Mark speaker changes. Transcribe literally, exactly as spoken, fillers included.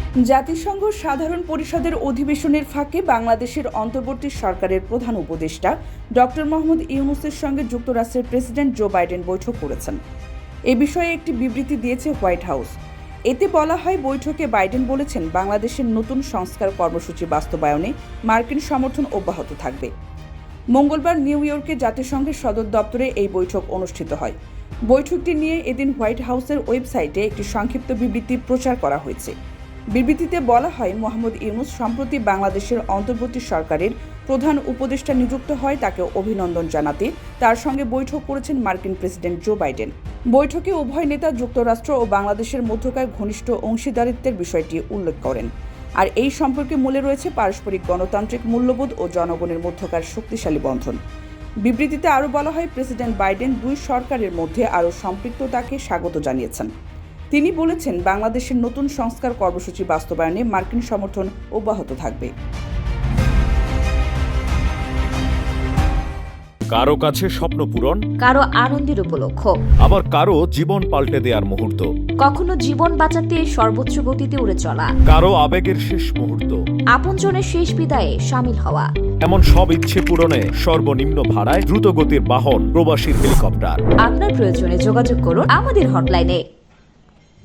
Speaker 1: জাতিসংঘ সাধারণ পরিষদের অধিবেশনের ফাঁকে বাংলাদেশের অন্তর্বর্তী সরকারের প্রধান উপদেষ্টা ডক্টর মোহাম্মদ ইউনূসের সঙ্গে যুক্তরাষ্ট্রের প্রেসিডেন্ট জো বাইডেন বৈঠক করেছেন। এ বিষয়ে একটি বিবৃতি দিয়েছে হোয়াইট হাউস। এতে বলা হয়, বৈঠকে বাইডেন বলেছেন, বাংলাদেশের নতুন সংস্কার কর্মসূচি বাস্তবায়নে মার্কিন সমর্থন অব্যাহত থাকবে। মঙ্গলবার নিউ ইয়র্কে জাতিসংঘের সদর দপ্তরে এই বৈঠক অনুষ্ঠিত হয়। বৈঠকটি নিয়ে এদিন হোয়াইট হাউসের ওয়েবসাইটে একটি সংক্ষিপ্ত বিবৃতি প্রচার করা হয়েছে। বিবৃতিতে বলা হয়, মোহাম্মদ ইউনূস সম্প্রতি বাংলাদেশের অন্তর্বর্তী সরকারের প্রধান উপদেষ্টা নিযুক্ত হয় তাকে অভিনন্দন জানাতে তার সঙ্গে বৈঠক করেছেন মার্কিন প্রেসিডেন্ট জো বাইডেন। বৈঠকে উভয় নেতা যুক্তরাষ্ট্র ও বাংলাদেশের মধ্যকার ঘনিষ্ঠ অংশীদারিত্বের বিষয়টি উল্লেখ করেন। আর এই সম্পর্কে মূলে রয়েছে পারস্পরিক গণতান্ত্রিক মূল্যবোধ ও জনগণের মধ্যকার শক্তিশালী বন্ধন। বিবৃতিতে আরও বলা হয়, প্রেসিডেন্ট বাইডেন দুই সরকারের মধ্যে আরও সম্পৃক্ততাকে স্বাগত জানিয়েছেন। তিনি বলেছেন, বাংলাদেশের নতুন সংস্কার কর্মসূচি বাস্তবায়নে মার্কিন সমর্থন অব্যাহত থাকবে।
Speaker 2: কারো কাছে স্বপ্ন পূরণ,
Speaker 3: কারো আনন্দের উপলক্ষ,
Speaker 2: আবার কারো জীবন পাল্টে দেওয়ার মুহূর্ত,
Speaker 3: কখনো জীবন বাঁচাতে সর্বোচ্চ গতিতে উড়ে চলা,
Speaker 2: কারো আবেগের শেষ মুহূর্ত,
Speaker 3: আপনজনের শেষ বিদায়ে শামিল হওয়া,
Speaker 2: এমন সব ইচ্ছে পূরণে সর্বনিম্ন ভাড়ায় দ্রুতগতির বাহন প্রবাসীর হেলিকপ্টার।
Speaker 3: আপনার প্রয়োজনে যোগাযোগ করুন আমাদের হটলাইনে।